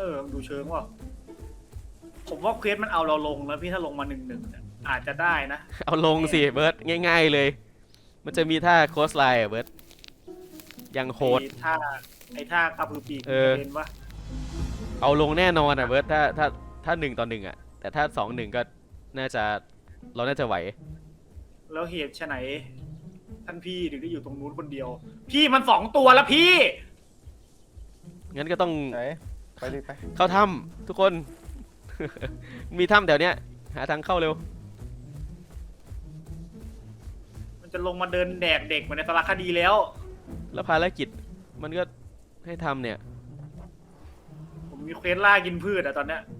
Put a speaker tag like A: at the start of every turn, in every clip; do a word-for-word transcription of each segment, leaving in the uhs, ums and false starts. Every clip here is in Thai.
A: ออดูเชิงว่าผมว่าเควสมันเอาเราลงแล้วพี่ถ้าลงมาหนึ่งหนึ่งอาจจะได้นะ
B: เอาลงสิเบิร์ดง่ายๆเลยมันจะมีท่าโคสไลน์อะเบิร์ดยังโหด
A: ไอ้ท่าไอ้ท่ากระพือปีก
B: เออ
A: เป็นวะ
B: เอาลงแน่นอนอ่ะเบิร์ดถ้าถ้าถ้าหนึ่งต่อหนึ่งอ่ะแต่ถ้าสองหนึ่งก็น่าจะเราน่าจะไหว
A: แล้วเหตุไฉนท่านพี่ถึงได้อยู่ตรงนู้นคนเดียว พี่มันสองตัวแล้วพี่
B: งั้นก็ต้อง
C: ไหนไปดิไป
B: เข้าถ้ำทุกคน มีถ้ำแถวเนี้ยหาทางเข้าเร็ว
A: มันจะลงมาเดินแดกเด็กเหมือนในสารคดีแล้ว
B: แล้วภารกิจมันก็ให้ทำเนี่ย
A: ผมมีเควสล่ากินพืชอะตอนเนี้ย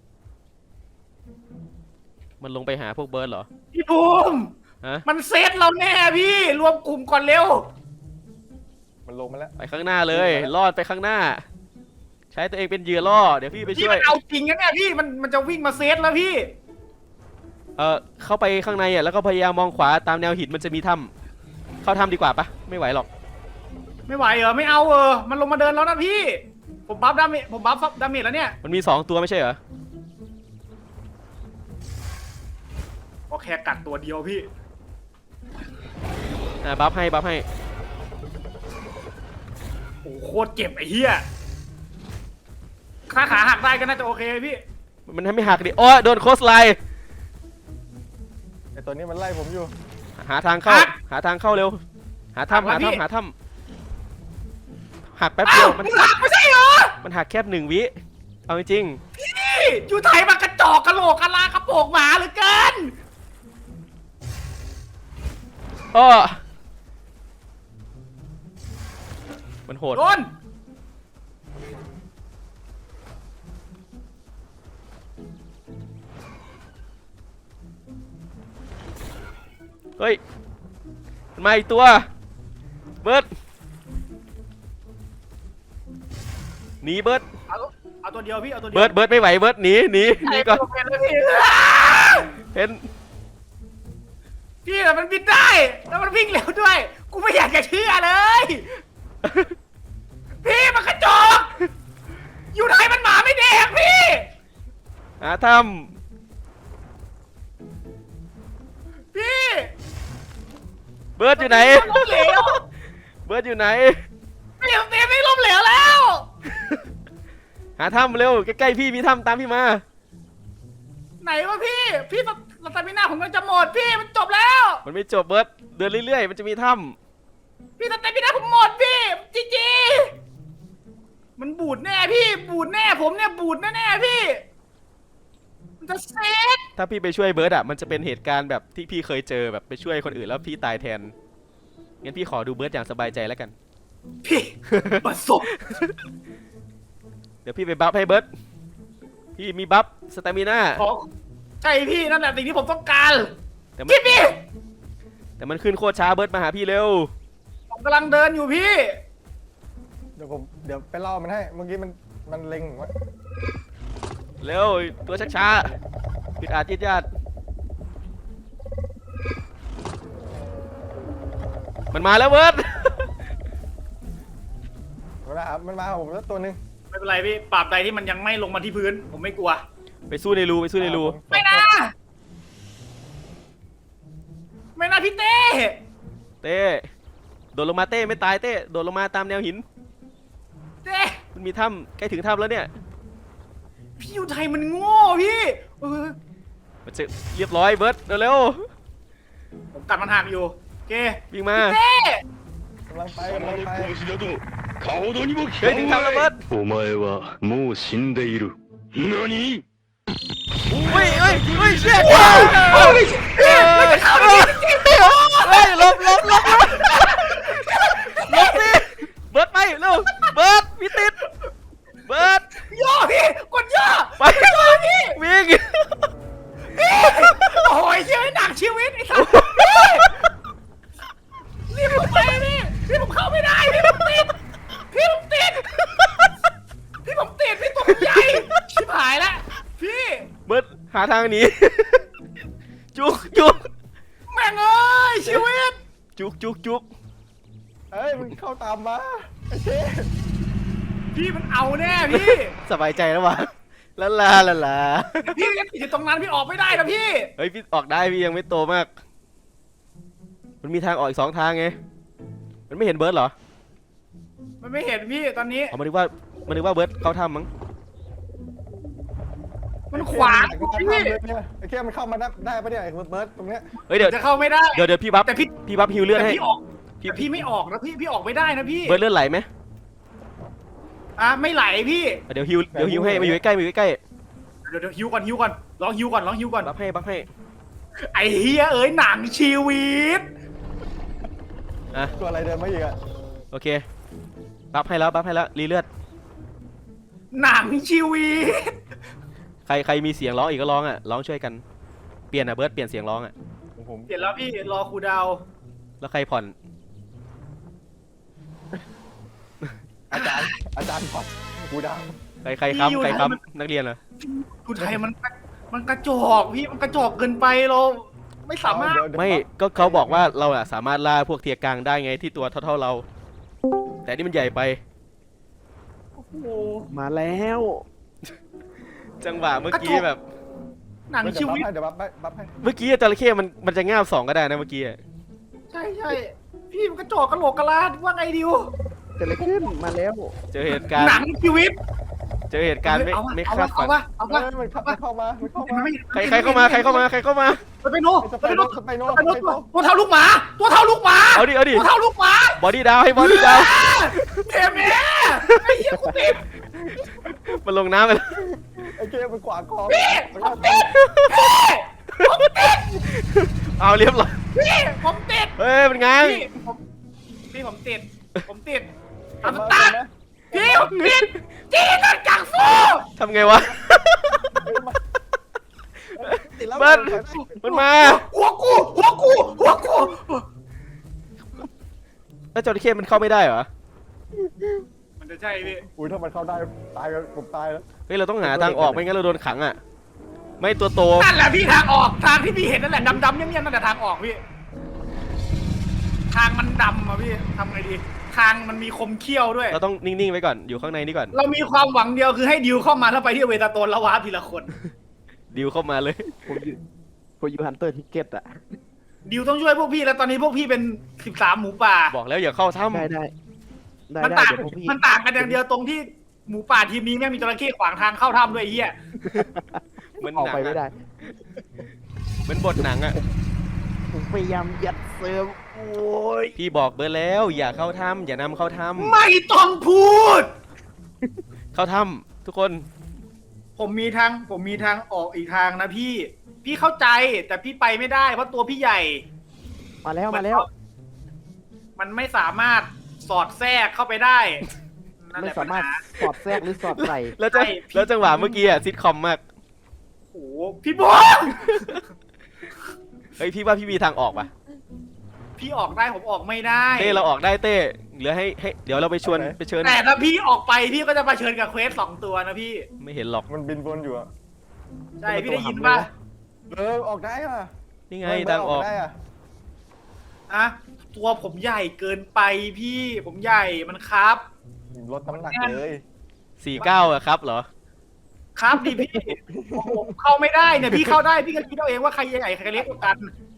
B: มันลงไปหาพวกเบิร์ดเหรอ
A: พี่ภูมิ
B: ฮะ
A: มันเซตเราแน่พี่ รวมกลุ่มก่อนเร็ว
C: มันลงมาแล้ว
B: ไปข้างหน้าเลยรอดไปข้างหน้า ใช้ตัวเองเป็นเหยื่อล่อเดี๋ยวพี่ไป
A: พี่
B: ช่ว
A: มั
B: ย
A: นเอาจริงนะเนี่ยพี่มันมันจะวิ่งมาเซตแล้วพี่
B: เออเข้าไปข้างในอ่ะแล้วก็พยายามมองขวาตามแนวหินมันจะมีถ้ำเข้าถ้ำดีกว่าปะไม่ไหวหรอก
A: ไม่ไหวเหรอไม่เอาเออมันลงมาเดินแล้วนะพี่ ผมบัฟดาเมจผมบัฟดาเมจแล้วเนี่ย
B: มันมีสองตัวไม่ใช่เหรอ
A: ก็แค่กัดตัวเดียวพี่
B: อ่าบัฟให้บัฟให้
A: โอ้โหโคตรเจ็บไอ้เหี้ยขาขาหักได้ก็น่าจะโอเคพี่
B: มันให้ไม่หักดิโอ้ยโดนโคสไลน์
C: ไอตัวนี้มันไล่ผมอยู่
B: หาทางเข้าหาทางเข้าเร็วหาถ้ำหาถ้ำหาถ้ำหักแป๊บเดียวมัน
A: หักไม่ใช่เหรอ
B: มันหักแค่หนึ่งวิเอาจริง
A: พี่อยู่ไทยมันกระจอกกระโหลกกะลากระโปงหมาเหลือเกิน
B: ๆอ้อมันโหด
A: โดน
B: เฮ้ยมันมาอีกตัวเบิร์ดหนีเบิร์ด
A: เอาเอาตัวเดียวพี่เอาตัวเดียว
B: เบิร์ดเบิร์ดไม่ไหวเบิร์ดหนีหนีหนีก่อน
A: เป็นเลยพี่
B: เห็น
A: พี่แต่มันบินได้แล้วมันวิ่งเร็วด้วย กูไม่อยากจะเชื่อเลย พี่มันกระจอกอยู่ไทยมันหมาไม่แดกพี่
B: หาถ้
A: พี่
B: ำเบิร์ดอยู่ไหน
A: ล้มเหลว
B: เบิร์ดอยู่ไหน
A: พี่เต็มไม่ล้มเหลวแล้ว
B: หาถ้ำเร็วใกล้ๆพี่มีถ้ำตามพี่มา
A: ไหนวะพี่ พี่สตามิน่าผมก็จะหมดพี่มันจบแล้ว
B: มันไม่จบเบิร์ดเดินเรื่อยๆมันจะมีถ้
A: พี่สตามิน่าผมหมดพี่จีจีมันบูดแน่พี่ บูดแน่ผมเนี่ยบูดแน่ๆพี่ มันจะเซ็ต
B: ำถ้าพี่ไปช่วยเบิร์ดอ่ะมันจะเป็นเหตุการณ์แบบที่พี่เคยเจอแบบไปช่วยคนอื่นแล้วพี่ตายแทนงั้นพี่ขอดูเบิร์ดอย่างสบายใจแล้วกัน
A: พี่ประสบ
B: เดี๋ยวพี่ไปบัฟให้เบิร์ดพี่มีบัฟสตามิน่า
A: ขอใช่พี่นั่นแหละสิ่งที่ผมต้องการ
B: แต่มัน
A: พี่พี่
B: แต่มันขึ้นโคตรช้าเบิร์ดมาหาพี่เร็ว
A: ผมกำลังเดินอยู่พี่
C: เดี๋ยวผมเดี๋ยวไปล่อมันให้ เมื่อกี้มันมันเล็งผมไว้
B: เร็วตัวช้าช้าปิดอาจยืดยาดมันมาแล้วเบิร์ด
C: เวลามันมาหาผมแล้วตัวหนึง
A: ไม่เป็นไรพี่ปราบใดที่มันยังไม่ลงมาที่พื้น ผมไม่กลัว
B: ไปสู้ในรูไปสู้ในรู
C: ผม
A: ไม่นะไม่นะพี่เต้
B: เต้โดดลงมาเต้ไม่ตายเต้โดดลงมาตามแนวหิน
A: เต้
B: มันมีถ้ำใกล้ถึงถ้ำแล้วเนี่ย
A: พี่อยู่ไทยมันโง่พี่เออ
B: มันจะเรียบร้อยเบิร์ดเร็ว
A: ผมกัดมันหักอยู่โอเค
B: ๆวิ่งมา
A: เต้
C: กำลังไปกำลังไป
D: 殺しなど顔にも聞
B: เฮ้ย
D: か
B: ถึง
D: ん
B: ถ้ำแล้วเบิร์ด
D: お前はもう死んでいる何
B: เฮ้ยเฮ้ยเฮ้ยเชี่ยเฮ้ยเฮ้ยเฮ้ยเฮ้ยหลบหลบหลบหลบหลบสิเบิร์ดไปเร็วเบิร์ดพี่ติดเบิร์ด
A: ย่อพี่กดย่อ
B: ไป
A: ย่อพี่
B: วิ่ง
A: โอ้ยเชื่อหนักชีวิตไอ้สัสนี่ผมไปนี่พี่ผมเข้าไม่ได้พี่ผมติดพี่ผมติดพี่ผมติดพี่ตัวผมใหญ่ชิบหายแล้วพี่
B: เบิร์ดหาทางหนีจุกจุก
A: แม่งเอ้ยชีวิต
B: จุกจุกจุก
C: เอ้ยมันเข้าตามมาไอ้เจ๊
A: พี่มันเอาแน่พี่
B: สบายใจแล้ววะลาลาลาลา
A: พี่ยังติดอยู่ตรงนั้นพี่ออกไม่ได้นะพี่
B: เฮ้ยพี่ออกได้พี่ยังไม่โตมาก มันมีทางออกอีกสองทางไง มันไม่เห็นเบิร์ดเหรอ
A: มันไม่เห็นพี่ตอนนี้
B: เอามานึกว่ามานึกว่าเบิร์ดเข้าถ้ำมั้ง
A: มันขวาง
C: ไอ้
A: พี่
C: เหี้ยไอ้เคียมันเข้ามาได้ได้ปะเนี่ยไอ้เบิร์ดตรงเนี้ย
B: เฮ้ยเดี๋ยว
A: จะเข้าไม่ได้
B: เดี๋ยวเดี๋ยวพี่บัฟ
A: แต่พี่
B: พี่บัฟฮิวเลือด
A: แต่
B: ให้
A: พี่ออกแต่พี่ไม่ออกนะพี่พี่ออกไม่ได้นะพี่
B: เบิร์ดเลือดไหลไหม
A: อ่ะไม่ไหลพี่
B: อ่ะเดี๋ยวฮิวเดี๋ยวฮิวให้มาอยู่ใกล้ๆมาอยู่ใกล้
A: เดี๋ยวเดี๋ยวฮิวก่อนฮิวก่อนลองฮิวก่อนลองฮิวก่อน
B: ๆบัฟให้บัฟให้
A: ไอ้เฮียเอ้ยหนังชีวิต
B: อ่ะ
C: ตัวอะไรเดินมาอีกอะ
B: โอเคบัฟให้แล้วบัฟให้แล้วรีเลือด
A: หนังชีวิต
B: ใครใครมีเสียงร้องอีกก็ร้องอ่ะร้องช่วยกันเปลี่ยนอ่ะเบิร์ดเปลี่ยนเสียงร้องอ่ะ
C: ของผม
A: เดี๋ยวแล้วพี่รอครูดาว
B: แล้วใครผ่อน
C: อาจารย์อาจารย์ผ่อนกูดัง
B: ใครใครค้ำใครค้ำนักเรียนเหรอ
A: ครูไทยมันมันกระจอกพี่มันกระจอกเกินไปเราไม่สามารถ
C: เดี๋ยวเดี๋ยว
B: ไม่ก็เขาบอกว่าเราอะสามารถล่าพวกเทียร์กลางได้ไงที่ตัวเท่าๆเรา แต่นี่มันใหญ่ไป
A: โอ้โห
E: มาแล้ว
B: จังหวะเมื่อกี้แบบ
A: หนังชีวิต
C: เดี๋ยวบัฟให้บัฟให้
B: เมื่อกี้จระเข้มันมันจะง่าบสองก็ได้นะเมื่อกี้อะ
A: ใช่ใช่พี่มันกระจอกกระโหลกกระลาดว่าไงดิว
E: เกิดอะไรขึ้นมาแล้ว
B: เจอเหตุการณ์
A: หนังชีวิต
B: เจอเหตุการณ์ไม่
A: เอาวะ
B: ไม่
A: เอา
B: คาว
A: ะ
B: ด
A: เอา
B: ฝัน
A: วะเอา
C: เอ้
A: วะ
C: ยมันเข้ามันเข้ามามันเข้ามา
B: ใครใครเข้ามาใครเข้ามาใครเข้ามา
A: สไปโน
C: ส
A: ส
C: ไป
A: ไป
C: โน
A: โน
C: สไปโน
A: สไปโน
C: สไปโน
A: ตัวเท่าลูกหมา ตัวเท่าลูกหมา
B: เอาดิเอาดิ
A: ตัวเท่าลูกหมา
B: บอดี้ดาวให้บอดี้ดาว
A: เทมแม่ไอ้เหี้ยกูติด
B: มันลงน้ำไปแล้ว
C: ไอ้เคียมันขวางคอ
A: พี่ผมติดพี่ผมติด
B: เอาเรียบร้อย
A: พี่ผมติด
B: เฮ้ยมันง้าง
A: พี่ผมพี่ผมติดผมติด
C: เห็น
A: ทำ
C: ไหม
A: ตา
C: เห็นไหม
A: พี่ผมติดจีนนจังฟู
B: ทำไงวะ
C: ติดแล้ว
B: เบิร์ดมันมา
A: หัวกูหัวกูหัวกู
B: แล้วจระเข้มันเข้าไม่ได้เหรอ
A: มันจะใช่พี่
C: อุ้ยถ้ามันเข้าได้ตายกันผมตายแล้ว
B: เฮ้ยเราต้องหาทางออกไม่งั้นเราโดนขังอ่ะ ไม่ตัวโต
A: นั่นแหละพี่ทางออกทางที่พี่เห็นนั่นแหละดำๆเงี้ยๆนั่นแหละทางออกพี่ ทางมันดำอะพี่ทำไงดี ทางมันมีคมเขี้ยวด้วย
B: เราต้องนิ่งๆไว้ก่อนอยู่ข้างในนี่ก่อน
A: เรามีความหวังเดียวคือให้ดิวเข้ามาแล้วไปที่เวตาโตนแล้ววาร์ปทีละคน
B: ดิวเข้ามาเลย
E: ผมอยู่ผมอยู่ฮันเตอร์ทิกเก็ตอะ
A: ดิวต้องช่วยพวกพี่แล้วตอนนี้พวกพี่เป็นสิบสามหมูป่า
B: บอกแล้วอย่าเข้าถ้
E: ได้ได้ได้
A: มัน
E: ได้
A: ต่าง
E: เดี๋ยวพวกพี่
A: มันต่างกันอย่างเดียวตรงที่หมูป่าทีมนี้แม่งมีจระเข้ขวางทางเข้าถ้ำด้วยไอ้เหี้ย
B: ำเหมือน
E: ออก
B: หนั
E: ไป
B: ง
E: ไม่ได้
B: อะเหมือนบทหนังอ่ะ
E: ผมพยายามยัดเซิร์ฟโอ้ย
B: พี่บอกเบอร์แล้วอย่าเข้าถ้ำอย่านำเข้าถ้
A: ไม่ต้องพูด
B: ำเข้าถ้ำทุกคน
A: ผมมีทางผมมีทางออกอีกทางนะพี่ พี่เข้าใจแต่พี่ไปไม่ได้เพราะตัวพี่ใหญ่
E: มาแล้วมาแล้ว
A: มันไม่สามารถสอดแทรกเข้าไปได้นั่นแห
E: ไม่
A: ละ
E: สามารถ
A: ปัญห
E: สอดแทรกหรือสอดใส่
B: แล้วจะ
A: ใช่พี่
B: แล้วจังหวะเมื่อกี้อ่ะซิทคอมมาก
A: โอ้โหพี่บัว
B: เฮ้ยพี่ว่าพี่มีทางออกปะ
A: พี่ออกได้ผมออกไม่ได้
B: เต้เราออกได้เต้เหลือให้ให้เดี๋ยวเราไปชวนไปเชิญ
A: แต่ถ้าพี่ออกไปพี่ก็จะมาเชิญกับเควสสองตัวนะพี่
B: ไม่เห็นหรอก
C: มันบินวนอยู่อะ
A: ใช่พี่ได้ยินป่ะ
C: เออออกได้อะ
B: นี่ไง
C: เออ
B: ทางออก
C: ได้อะ
A: อะตัวผมใหญ่เกินไปพี่ผมใหญ่มันครับ
C: ลดน้ำหนักเลย
B: สี่เก้าอะครับเหรอ
A: ครับดิพี่ผมเข้าไม่ได้เนี่ยพี่เข้าได้พี่ก็คิดเอาเองว่าใครใหญ่ใครเล็กกว่ากัน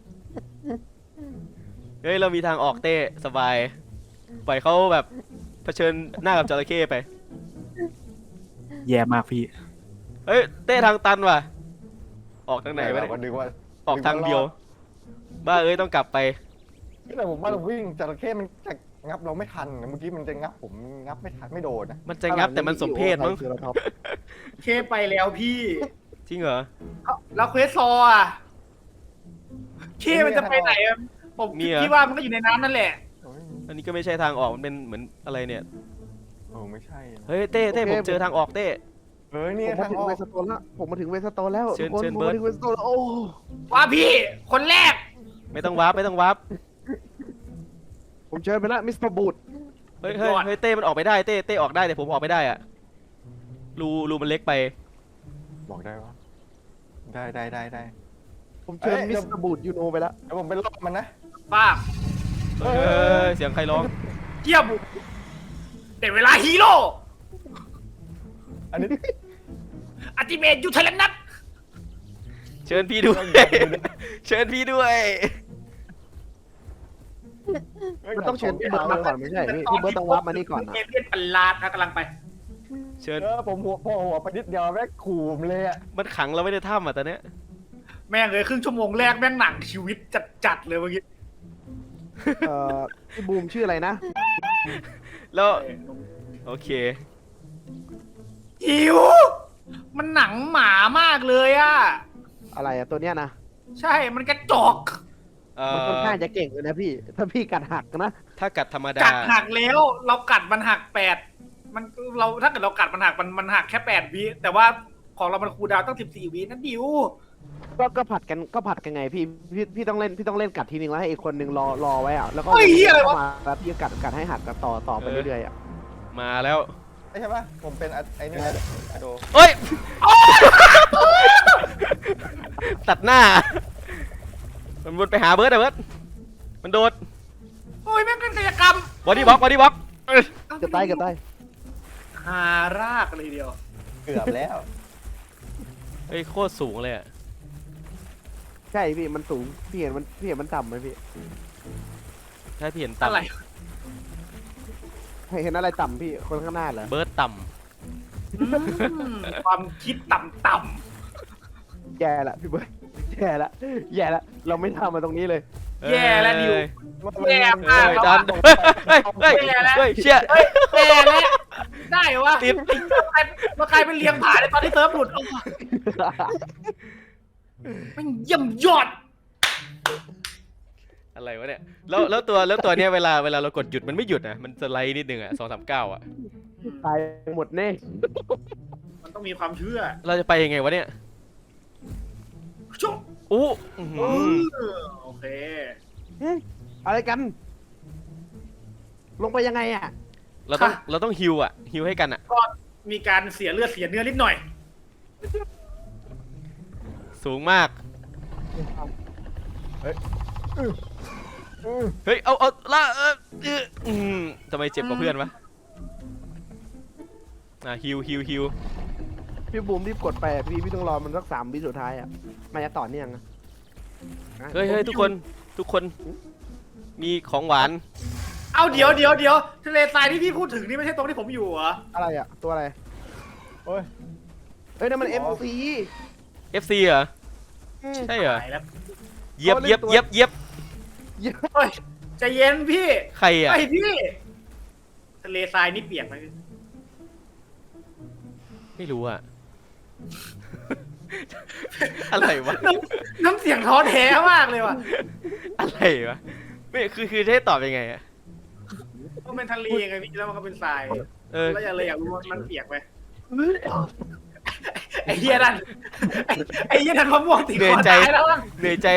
B: เฮ้ยเรามีทางออกเต้สบายปล่อยเขาแบบเผชิญหน้ากับจระเข้ไป
E: แย่มากพี่
B: เฮ้ยเต้ทางตันว่ะ ออกทางไหนวะ
C: เราก็
B: เนี่ย
C: ดึงว่า
B: ออกทางเดียว บ้าเอ้ยต้องกลับไป
C: แต่ผมว่าเราวิ่งจระเข้มันจะงับเราไม่ทันเมื่อกี้มันจะงับผมงับไม่ทันไม่โดนนะ
B: มันจะงับแต่มันสมเพศมั้ง
E: เจอแล้วครับ
A: เคไปแล้วพี่
B: จริงเหรอ
A: เอ้าแล้วเควสซออ่ะเคมันจะไปไหนอะผม
B: เนี่ย
A: คิดว่ามันก็อยู่ในน้ำนั่นแหละ
C: โอ้ย
B: อันนี้ก็ไม่ใช่ทางออกมันเป็นเหมือนอะไรเนี่ย
C: เออไม่ใช่นะ
B: เฮ้ยเต้เต้ผมเจอทางออกเต้
C: เฮ้ย
E: ผ
C: นี่
E: มมา
C: ทาง
E: ถึง
C: ออ
E: เว
C: ก
E: สโตนแล้วผมมาถึงเวสโตนแล้ว
B: เชิญ
E: ทุกคน
B: เชิญ
E: ผม
B: เบิร์
E: มา
B: ด
E: ถึงเวสโตนแล้วโอ้
A: ว่าพี่คนแรก
B: ไม่ต้องวาร์ปไม่ต้องวาร์ป
E: ผมเชิญไปแล้วมิสเตอร์บูด
B: เฮ้ยเฮ้ยเฮ้ยเต้มันออกไม่ได้เต้เต้ออกได้แต่ผมออกไม่ได้อะรูรูมันเล็กไป
C: บอกได้ปะได้ได้ได้ได้
E: ผมเชิญ
C: เอ้ย
E: มิสเตอร์บูดยูโนไปแล้ว
C: เดี๋ยวผมเป็นรอบมันนะ
A: ป้า
B: เฮ้ยเสียงใครร้อง
A: เทียบเดี๋ยวเวลาฮีโร่
C: อันนี้
A: อัติเมตยูเทเลนัท
B: เชิญพี่ด้วย เชิญพี่ด้วย
E: มันต้องเชิญพี่เบิร์ดมาก่อนไม่ใช่พี่พี่เบิร์ดต้องวับมานี่ก่อนนะ
A: เอเลี่ยนประหลาดนะกำลังไป
B: เชิญ
C: เออผมหัวพอหัวไปนิดเดียวแม่งขู่ผมเลยอะ
B: มันขังเราไม่ได้ถ้ำอ่ะตอนเนี้ย
A: แม่งเลยครึ่งชั่วโมงแรกแม่งหนังชีวิตจัดๆเลยเมื่อกี้
E: เอ่อพี่บูมชื่ออะไรนะ
B: แล้วโอเค
A: หิว มันหนังหมามากเลยอะ
E: อะไรอะตัวเนี้ยนะ
A: ใช่มันกระจอก
B: เอ่
E: มันค่อน
B: อ
E: ข้างจะเก่งเลยนะพี่ ถ้าพี่กัดหักนะ
B: ถ้ากัดธรรมดา
A: กัดหักแล้ว เรากัดมันหักแปดมันเราถ้าเกิดเรากัดมันหักมันมันหักแค่แปดวิแต่ว่าของเรามันคูลดาวน์ตั้งสิบสี่วินั่นดิว
E: ก็ก็ผัดกันก็ผัดกันไงพี่พี่พี่ต้องเล่นพี่ต้องเล่นกัดทีนึงแล้วให้อีกคนนึงรอรอไว้อะแล้วก็
A: เฮ้ยเหี้ยอะไรวะ
E: เข้ามาแล้วพี่ก็กัดกัดให้หักกันต่อต่อไปเรื่อยๆอะ
B: มาแล้ว
C: ไม่ใช่ปะผมเป็นอะไอ้นี่นะอะโด
B: เอ้ย ตัดหน้า มันวนไปหาเบิร์ดอะเบิร์ดมันโดด
A: โอ้ยแม่งเป็นกายกรรม
B: บอดี้บล็อกบอดี้บล็อก
E: เกือบตายเกือบตาย
A: หารากเลยทีเดียว
C: เกือบแล้ว
B: เฮ้ยโคตรสูงเลยอะ
E: ใช่พี่มันสูงพี่เห็นมันพี่เห็นมันต่ำไหมพี่
B: ถ้าพี่เห็น
A: อะไร
B: ต่ำ
E: เห็นอะไรต่ำพี่คนข้างหน้าเหรอ
B: เบิร์ดต่
A: อืมความคิดต่ำ
E: แย่ละพี่เบิร์ดแย่ละแย่ละเราไม่ทำมาตรงนี้เลย
B: ำ
A: แย่แล้วดิว
B: เอ้ย
A: แย่มาก
B: เอ้ยดันเฮ้ยเฮ้ยเฮ้ยเฮ้ยเชี่ย
A: ๆเฮ้ยแย่แล้วได้เหรอวะ
B: ติด
A: ใครมาใครเป็นเลี้ยงผาในตอนที่เซิร์ฟหลุดโอ้โหมันเยี่ยมยอด
B: อะไรวะเนี่ยแล้วแล้วตัวแล้วตัวเนี้ยเวลาเวลาเรากดหยุดมันไม่หยุดนะมันสไลด์นิดนึงอะสองสามเก้าอะ
E: ตายหมดแน่
A: มันต้องมีความเชื่อ
B: เราจะไปยังไงวะเนี่ย
A: ชุบ
B: อู้อื้อหื
A: เอ
B: อ
A: อโอเค
E: เฮ้ยอะไรกัน ลงไปยังไงอ่ะ
B: เราต้องเราต้องฮิวอะฮิวให้กันอะ
A: ก็มีการเสียเลือดเสียเนื้อนิดหน่อย
B: สูงมาก
C: อือ
B: เฮ้ยเอาเอาละเออเอออืมทำไมเจ็บกว่าเพื่อนวะอ่ะฮิวฮิวฮิว
E: พี่บูมรีบกดไปอะพี่พี่ต้องรอมันสักสามวิสุดท้ายอ่ะมันจะต่อเนื่องอะ
B: เฮ้ยเฮ้ยทุกคนทุกคนมีของหวาน
A: เอาเดี๋ยวเดี๋ยวเดี๋ยวทะเลทรายที่พี่พูดถึงนี่ไม่ใช่ตรงที่ผมอยู่เหรอ
E: อะไรอ่ะ ตัวอะไร
C: โอ้ย
E: เฮ้ยนั่นมัน
C: อ๋
E: เอ็ม
C: อ
E: ซี
B: เอฟซีเหรอใช่เหรอ
A: ตายแล้ว
B: เหยียบเหยียบเหยียบเหยียบ
A: เฮ้ยใจเย็นพี่
B: ใครอะ
A: ไอพี่ทะเลทรายนี่เปียกไหม
B: ไม่รู้อะ อะไรวะ
A: น้ำน้ำเสียงท้อแท้มากเลยว่ะ
B: อะไรวะไม่คือคือจะให้ตอบยังไงอะ
A: มันเป็นทะเลไงพี่แล้วมันก็เป็นทราย
B: เออ
A: แล้วอยากเลยอยากรู้ว่ามันเปียกไหมไอ้เหี้ยนั่นไอ้ไอ้เหี้ยนั่นมะม่วงติด
B: เหนื่
A: ค
B: อย
A: อ
B: ใจ
A: ตายแล้วอะ
B: เหนื่อยใจ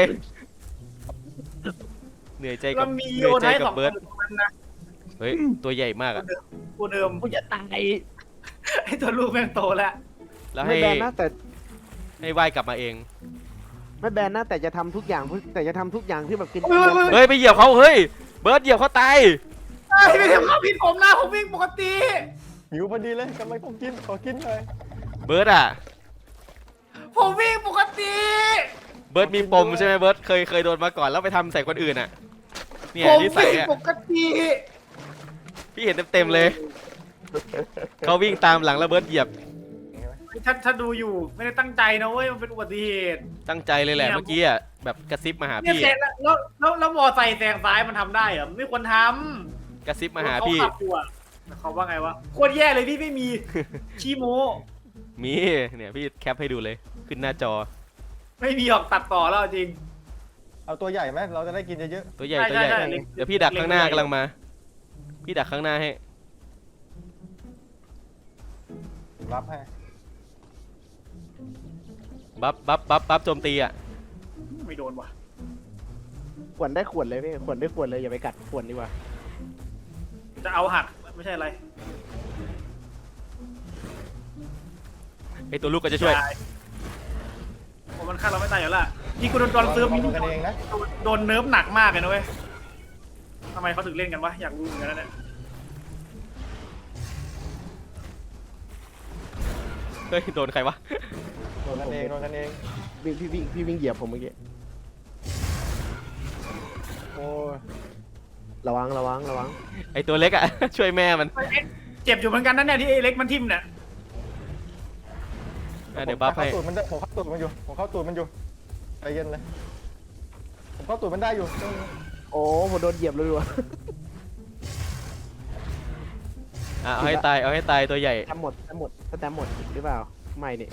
B: เหนื่อยใจกั
A: เรา
B: บ
A: มี
B: เห
A: โย
B: นื่อยใจ
A: ไทย
B: กั
A: ส
B: บ
A: องค
B: เบิร์ด
A: นของมันนะ
B: เฮ้ยตัวใหญ่มากอะ
A: กูเดิม
E: กูจะตาย
A: ไอ้ตัวลูกแม่งโตแล้ว
B: แล้ว
E: ไม่
B: ให้
E: แบนนะแต่
B: ให้ว่ายกลับมาเอง
E: ไม่แบนนะแต่จะทำทุกอย่างแต่จะทำทุกอย่างที่แบบกิน
A: เฮ้ยเฮ้ย
B: เฮ้ยไปเหยียบเขาเฮ้ยเบิร์ดเหยียบเขาตาย
A: เฮ้ยไม่ทำข้าวผิดผมนะผมวิ่งปกติ
C: หิวพอดีเลยกำลังต้องกินขอกินหน่อย
B: เบิร์ดอะ
A: ผมวิ่งปกติ
B: เบิร์ดมีปมใช่ไหมเบิร์ดเคยเคยโดนมาก่อนแล้วไปทำใส่คนอื่นอะเนี่ย
A: ผม
B: นิสัย
A: วิ่ง
B: อะ
A: ปกติ
B: พี่เห็นเต็มๆเลยเขาวิ่งตามหลังแล้วเบิร์ดเหยียบ
A: ถ้าถ้าดูอยู่ไม่ได้ตั้งใจนะเว้ยมันเป็นอุบัติเหตุ
B: ตั้งใจเลยแหละเมื่อกี้อะแบบกระซิบมาหา
A: เนี่ย
B: พี่
A: แซงแล้วแล้วแล้วแล้วมอไซค์แซงซ้ายมันทำได้เหรอไม่ควรท
B: กระซิบ
A: ำ
B: มาหาพี่
A: เขขับอยู่อะแต่เขาว่าไงวะโคตรแย่เลยพี่ไม่มีขี้โม
B: มีเนี่ยพี่แคปให้ดูเลยขึ้นหน้าจอ
A: ไม่มีออกตัดต่อแล้วจริง
C: เอาตัวใหญ่ไหมเราจะได้กินเยอะ
B: ตัวใหญ่
A: ใช่
B: ตัวใหญ่
A: ใช่ใช่เล็ก
B: เดี๋ยวพี่ดักข้างหน้า
A: เล็ก
B: กำลังมา พี่ดักข้างหน้าให้
C: ๆรับให้
B: บัฟบัฟบัฟบัฟโจมตีอ่ะ
A: ไม่โดนว่ะ
E: ขวนได้ขวนเลยพี่ขวนได้ขวนเลยอย่าไปกัดขวนดีกว่า
A: จะเอาหักไม่ใช่อะไร
B: ไอตัวลูกก็จะช่วย
A: ตายผมมันฆ่าเราไม่ตายอยู่และนี่กูโดนโดนเซิร์ฟ
C: เรา
A: นี่
C: กันเองนะ
A: โดนเนิร์ฟหนักมากเลยนะเว้ยทำไมเขาถึงเล่นกันวะอยากรู้เหมือนกันนะเนี่ย
B: เฮ้ยโดนใครวะ
C: โดนกันเองโดนกันเอง
E: วิ่งพี่วิ่งพี่วิ่งเหยียบผมเมื่อกี้
C: โอ้ย
E: ระวังระวังระวัง
B: ไอตัวเล็กอะ ช่วยแม่มัน
A: เจ็บอยู่เหมือนกันนั่นเนี่ยที่ไอ้เล็กมันทิ่มเนี่ย
B: อ่ะเดี๋ยวบัฟให้
C: ผมเข้าตูดมันได้ผมเข้าตูดมันอยู่ผมเข้าตูดมันอยู่ใจเย็นเลยผมเข้าตูดมันได้อยู่
E: โอ้ผมโดนเหยียบเลยว่ะ
B: อ่ะเอาให้ตายเอาให้ตายตัวใหญ่
E: แต้มหมดแต้มหมดแต้มหมดหรือเปล่าไม่นี่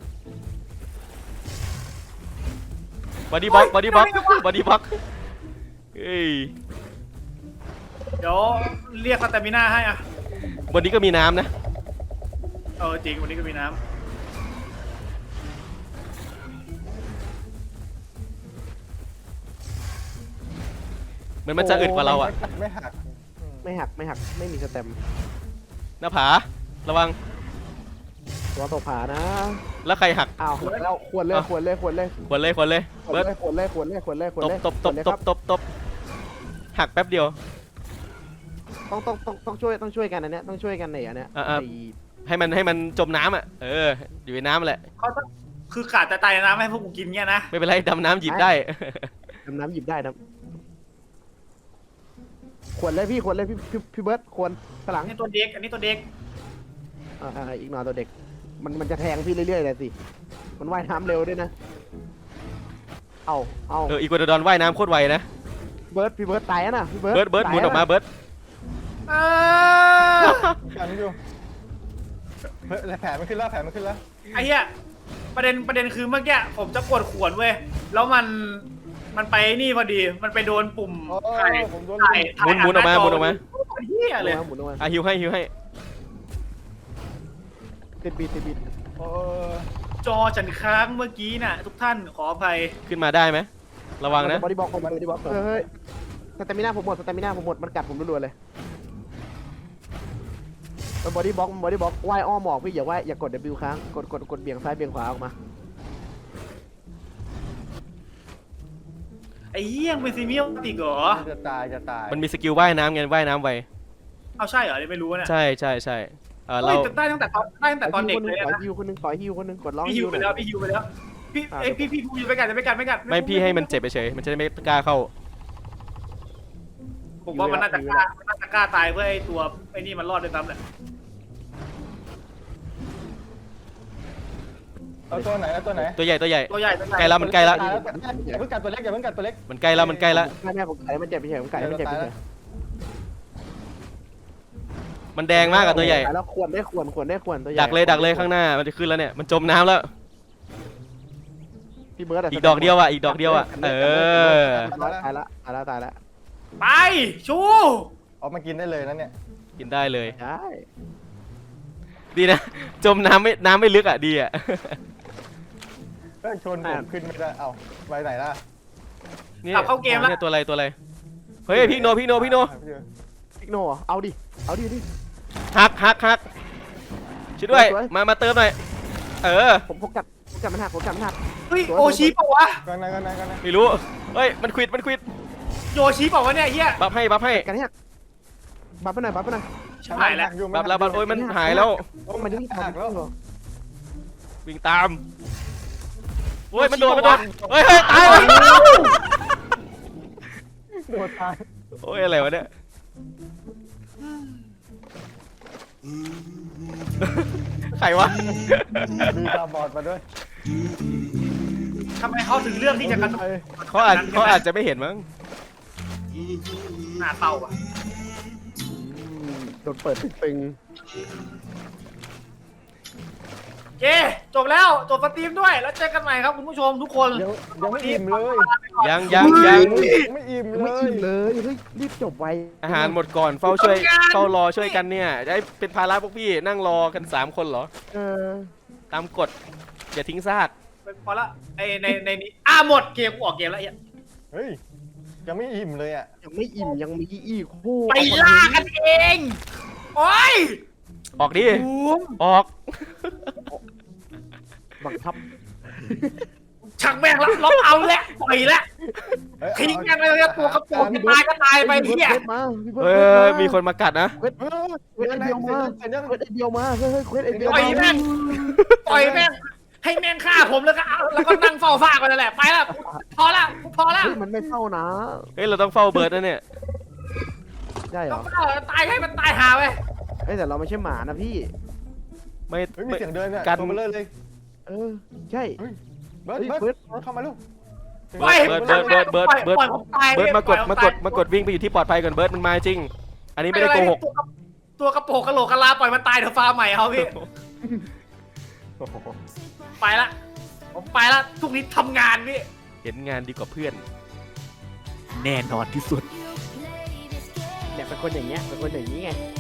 B: บอดี้บล็อกบอดี้บล็อกบอดี้บล็อกเฮ้ย
A: เดี๋ยวเรียกสเตมิน่าให้อ่ะ
B: บนนี้ก็มีน้ำนะ
A: เออจริงวันนี้ก็มีน้
B: เหมือนมันจะอึดกว่าเราอะ
C: ไม่หักอืม
E: ไม่หักไม่หักไม่มีสเต็ม
B: หน้าผาระวัง
E: ตัวตกผานะ
B: แล้วใครหัก
E: อ้าวแล้วควรเลยควรเลยควรเลย
B: ควรเลยควรเลย
E: ควร
B: เบิร์ด
E: เลยควรเลยควรเลยควรเลยควร
B: ตบ
E: เลย
B: ตบตบตบตบตบหักแป๊บเดียว
E: ต้องต้องต้องต้องช่วยต้องช่วยกันอันเนี้ยต้องช่วยกันไหนอันเนี้ย
B: อ่ะ ให้มันให้มันจมน้ำอ่ะเอออยู่ในน้ำแหละ
A: ำเขาต้องคือขาดแต่ตายในน้ำให้พวกกูกินเงี้ยนะ
B: ไม่เป็นไรดำน้ำหยิบได้
E: ดำน้ำหยิบได้นะควรเลยพี่ควรเลยพี่พี่พี่เบิร์ดควรฝรั่ง
A: อันนี้ตัวเด็กอันนี้ตัวเด็ก
E: อ่าอ่าอีกหน่อยตัวเด็กมันมันจะแทงพี่เรื่อยๆเลยสิมันว่ายน้ำเร็วด้วยนะเอาเอา
B: เอออีกัวดอนว่ายน้ำโคตรไวนะ
E: เบิร์ดพี่เบิร์ดตายแล้วนะพี่เบิร์ด
B: เบิร์ดเบิร์ดหมุนออกมาเบิร์ด
A: เออ
C: กันอยู่เฮ้ยแผลมันขึ้นแล้วแผลมันขึ้นแล้ว
A: ไอ้เหี้ยประเด็นประเด็นคือเมื่อกี้ผมจะกดขวนเว้ยแล้วมันมันไปนี่พอดีมันไปโดนปุ่ม
C: โอ้
A: ถ่าย
C: ยผมโดน
A: ถ่าย
B: หมุนหมุนออกมาหมุนออกมา
A: เหี้ยเลย
E: หมุนออกมา
B: อ่ะฮิวให้ฮิวให้
E: ติดบีติดบี
C: โอ้ย
A: จอฉันค้างเมื่อกี้น่ะ ทุกท่านขออภัย
B: ขึ้นมาได้ไหมระวังนะ
E: บอดี้บล็อกผมบอดี้บล็อกเฮ้ยสเตมิน่าผมหมดสเตมิน่าผมหมดมันกัดผมรัวๆเลยมันบอดี้บล็อกมันบอดี้บล็อกว่ายอ้อมออกพี่อย่าว่ายอย่ากด W ค้างกดกดกดเบี่ยงซ้ายเบี่ยงขวาออกมา
A: ไอ้เหี้ยเป็นซีเมียลติกเหรอ
C: จะตายจะตาย
B: มันมีสกิลว่ายน้ำไงว่ายน้ำไว
A: เอาใช่เหรอไม่รู้นะ
B: ใช่ใช่ใช่เออ
A: เฮ้
B: เรา
A: ยได้ตั้งแต่ตอนได้ตั้งแต่ตอนเด็กเลย
E: ขอ
A: นะ
E: ฮิวคนนึงขอฮิวคนนึงกดร้อง
A: พี่ฮิวไปแล้วพี่ฮิวไปแล้วพี่เอ้ยพี่พี่พูดไปกันจะไม่กันไม่กัน
B: ไม่พี่ให้มันเจ็บเฉยๆมันจะได้ไม่กล้าเข้า
A: ผมว่ามันน่าจะกล้ามันน่าจะกล้าตายเพื่อไอ้ตัวไอ้นี่มันรอดด้วยซ้ำแหละ
C: เอาตัวไหนเอาตัวไหน
B: ตัวใหญ่ตัวใหญ่
A: ตัวใหญ่ตัวใหญ่
B: ใกล้แล้วมันใกล้แล้ว
C: ตายแล้วอย่าเพิ่งกัดตัวเล็กอย่าเพิ่งกัดตัวเล็ก
B: มันใกล้แล้วมันใกล้แล้ว
E: แม่แม่ผมไก่มันเจ็บไปเฉยผมไก่มันเจ็บไปเฉย
B: มันแดงมากอะตัวใหญ่
E: แล้วควรได้ควรควรได้ควรตัวใหญ่
B: ดักเลยดักเลยข้างหน้ามันจะขึ้นแล้วเนี่ยมันจมน้ำแล้ว
E: พี่เบิร์ด
B: อีกดอกเดียวอ่ะอีกดอกเดียวอ่ะเออ
E: ตายละตายละตายละ
A: ไปชู
C: เอามากินได้เลยนะเนี่ย
B: กินได้เลย
E: ใช่
B: ดีนะ จมน้ำไม่น้ำไม่ลึกอ่ะดีอ่ะ
C: เฮ้ยชนผมขึ้นไม่ได้เอ้าไปไหนล่ะ
B: นี่
A: กลับเข้าเกมแล้ว
B: เนี่ยตัวอะไรตัวอะไรเฮ้ยพี่โนพี่โนพี่โน
E: พิกโนเอาดิเอาดิดิ
B: ฮักฮักฮักช่วยด้วย
E: สวย
B: มามาเติมหน่อยเออ
E: ผมผมกัดผมกัดมันหักผมกัดมันหัก
A: เฮ้ยโอชิเปล่าวะ
C: กันนะกันนะกันนะ
B: ไม่รู้เฮ้ยมันควิดมันควิด
A: โยชิเปล่าวะเนี่ยเฮีย
B: บัฟให้บัฟให้
E: กันหักบัฟไปหน่อยบัฟไปหน่อย
A: ชิบหายแล้ว
B: บัฟแล้วบัฟโอ้ยมันหายแล้ว
E: มันยังหักแล้ว
B: วิ่งตามโอ้ยมันโดนมันโดนเฮ้ยเฮ้ยตายแล้ว
C: โดนตาย
B: โอ้ยอะไรวะเนี่ยใครวะ
C: มีตาบอดมาด้วย
A: ทำไมเขาถึงเลือกที่จะกระโดด
B: เขาอาจเขาอาจจะไม่เห็นมั้ง
A: หน้าเต้าอ่ะ
E: โดนเปิดตึง
A: เย้จบแล้วจบสตรีมด้วยแล้วเจอกันใหม่ครับคุณผู้ชมทุกคน
C: ยังยังไม่อิ่มเลย
B: ยังยังยัง
C: ยังไม่อิ่ม
E: ๆ
C: เล
E: ไม่
C: ย
E: อิ่มเลยเฮ้ยรีบจบไว
B: อาหารหมดก่อนเฝ้าช่วยเฝ้ารอช่วยกันเนี่ยจะให้เป็นภาระพวกพี่นั่งรอกันสามคนเหรอ
E: เออ
B: ตามกฎอย่าทิ้งซาก
A: พอละไอในในนี้อ่ะหมดเกมกูออกเกมแล้วไอ้
C: เฮ้ยยังไม่อิ่มเลยอ่ะ
E: ยังไม่อิ่มยังมีอีกคู่
A: ไปล่ากันเองโอ้ย
B: ออกดิ
A: บูม
B: ออก
E: บังคับ
A: ชักแม่งแล้วล็อกเอาแล้วปล่อยแล้ว
C: เฮ้ย
A: ทิ้งกันไปเลยตัวกระโปรงจะตายก็ตายไปเฮีย
E: มาพี่เบิ
B: เอ
E: ร์ด
B: อมีคนมากัดนะ
E: เวท
C: เฮ้ย
E: เวทไอเดียวมา
C: เสร็จยัง
E: เควสไอเดียวมาเฮ้ยเฮ้ยเควสไอเดียว
A: ปล่อย
E: มา
A: แม่งปล่อยแม่งให้แม่งฆ่าผมแล้วก็เอาแล้วก็นั่งเฝ้าซากไปนั่นแหละไปละพอละพอละ
E: เฮ้ยมันไม่เฝ้านะ
B: เฮ้ยเราต้องเฝ้าเบิร์ดนะเนี่ย
E: ได้เหร
A: ต้อ
E: อง
A: เฝ้าตายให้มันตายหาไป
E: เฮ้ยแต่เราไม่ใช่หมานะพี่
B: ไม่
C: เฮ้ยมี
B: ไม่
C: เสียงเดินเนี่ย
B: กัน
C: ตัวเบลเลอร์เลย
E: เออใช่
C: เฮ้ยเบิร์ด
E: เฮ้ย
C: เบิร์ด
E: เบิร์ด
C: เข้ามาลูก
A: ปล่อย
B: เบิร์ดเบิร์ดเบิร์ดเบิร์ดเบิร์ด
A: ปล่อยผมตาย
B: เบิร์ดมากด
A: ปล่อย
B: มากด
A: ตย
B: มากดวิ่งไปอยู่ที่ปลอดภัยก่อนเบิร์ดมันมาจริง อันนี้ไม่ได้โกหก
A: ตัวตัวกระโปรงกระโหลกกะลาปล่อยมันตายเถอะฟ้าใหม่เอาพี่
C: โอ้โห
A: ไปละผมไปละทุกนี้ทำงานพี่
B: เห็นงานดีกว่าเพื่อน
A: แน่นอนที่สุด
E: เนี่ยเป็นคนอย่างเงี้ยเป็นคนอย่างนี้ไง